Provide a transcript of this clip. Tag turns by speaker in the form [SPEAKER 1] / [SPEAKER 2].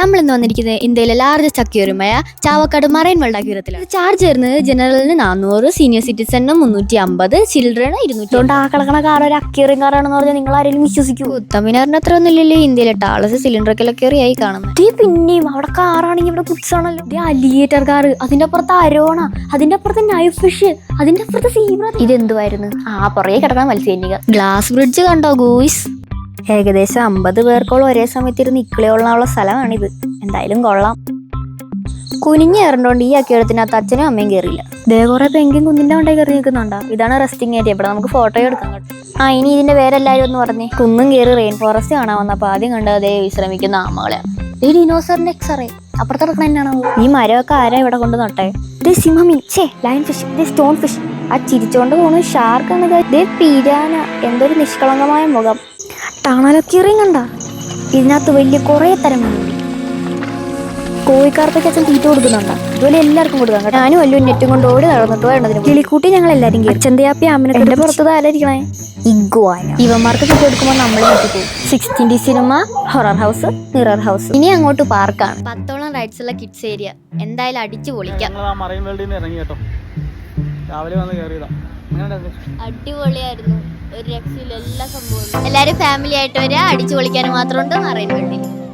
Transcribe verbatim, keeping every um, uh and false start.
[SPEAKER 1] നമ്മൾ ഇന്ന് വന്നിരിക്കുന്നത് ഇന്ത്യയിലെ ലാർജസ്റ്റ് അക്വേറിയമായ ചാവക്കാട് മറൈൻ വേൾഡ് അക്വേറിയത്തിലാണ്. ചാർജ് വരുന്നത് ജനറലിന് നാനൂറ്, സീനിയർ സിറ്റിസണിന് മുന്നൂറ്റി അമ്പത്, ചിൽഡ്രന് ഇരുന്നൂറ്റി. ആ കിടക്കണ കാർ ഒരു അക്വേറിയം കാറാണെന്ന് പറഞ്ഞാൽ നിങ്ങൾ ആരെങ്കിലും വിശ്വസിക്കൂ? ഉത്തമിനാറിന് അത്ര ഒന്നും ഇല്ലല്ലോ ഇന്ത്യയിലെ ടാളസ് സിലിണ്ടർ അക്വേറിയം ആയി കാണുന്നത്. പിന്നെയും അവിടെ കാറാണെങ്കിൽ ഇവിടെ കുറ്റ്സാണല്ലോ. അലിഗേറ്റർ കാർ, അതിന്റെ അപ്പുറത്ത് അരോണ, അതിന്റെ അപ്പുറത്ത് നൈഫ് ഫിഷ്, അതിന്റെ അപ്പുറത്ത് സീബ്ര. ഇതെന്തുവായിരുന്നു? ആ പുറകെ കിടക്കുന്ന മത്സ്യനിക. ഗ്ലാസ് ബ്രിഡ്ജ് കണ്ടോ ഗൂയ്സ്? ഏകദേശം അമ്പത് പേർക്കോളം ഒരേ സമയത്ത് ഇരുന്ന് ഇക്കിളിയോളാനുള്ള സ്ഥലമാണിത്. എന്തായാലും കൊള്ളാം. കുനിഞ്ഞ് കയറണ്ടോണ്ട് ഈ അക്വേറിയത്തിനകത്ത് അച്ഛനും അമ്മയും കയറിയില്ല. ദേ കുറെ പെങ്കും കുന്നിന്റെ കൊണ്ടേ കയറി നിൽക്കുന്നുണ്ടോ? ഇതാണ് റെസ്റ്റിംഗ് ഏരിയ. ഇവിടെ നമുക്ക് ഫോട്ടോ എടുക്കാൻ കേട്ടോ. ആ ഇനി ഇതിന്റെ പേരെല്ലാവരും ഒന്ന് പറഞ്ഞേ. കുന്നും കയറി റെയിൻ ഫോറസ്റ്റ് കാണാൻ വന്നപ്പോൾ ആദ്യം കണ്ടത് അതേ വിശ്രമിക്കുന്ന ആമകളെയാണ്. ഈ ഡിനോസറിന്റെ എക്സ്റേ അപ്പുറത്ത് കിടക്കണ തന്നെയാണോ? ഈ മരമൊക്കെ ആരാ ഇവിടെ കൊണ്ട് നട്ടെ? ഇത് സിംഹമീൻ, ഛേ ലൈൻ ഫിഷ്, ഇത് സ്റ്റോൺ ഫിഷ്. ആ ചിരിച്ചോണ്ട് പോണു ഷാർക്കാണ്. ഇത് പിരാന. എന്തൊരു നിഷ്കളങ്കമായ മുഖം. ടണലൊക്കെറിയും കണ്ട. ഇതിനകത്ത് വലിയ കുറേ തരം മീനുണ്ട്. കോഴിക്കാർക്കൊക്കെ അച്ഛൻ തീറ്റ കൊടുക്കുന്നുണ്ടോ? ഇതുപോലെ എല്ലാവർക്കും കൊടുക്കാം കേട്ടോ. ഞാനും വല്ലതും നെറ്റും കൊണ്ട് ഓടി നടന്നിട്ട് വേണ്ടതിന് കിളിക്കൂട്ടി ഞങ്ങൾ എല്ലാവരും കയറി. ചെന്തയാപ്പി അമ്മനെ എന്റെ പുറത്തത് ആരായിരിക്കണേ? ഇഗ്വാന. ഇവന്മാർക്ക് തീറ്റ കൊടുക്കുമ്പോൾ നമ്മളെ നോക്കി പോകും. Sixteen D cinema, horror house, mirror house. ഇനി അങ്ങോട്ട് പാർക്കാണ്. പത്തോളം റൈഡ്സ് ഉള്ള കിഡ്സ് ഏരിയ. എന്തായാലും അടിച്ചു പൊളിക്കാം. അടിപൊളിയായിരുന്നു. ഒരു രക്ഷയില്ല എല്ലാ സംഭവവും. എല്ലാരും ഫാമിലി ആയിട്ട് വരിക, അടിച്ചു പൊളിക്കാൻ മാത്രമുണ്ട് മറൈൻ വേൾഡിൽ.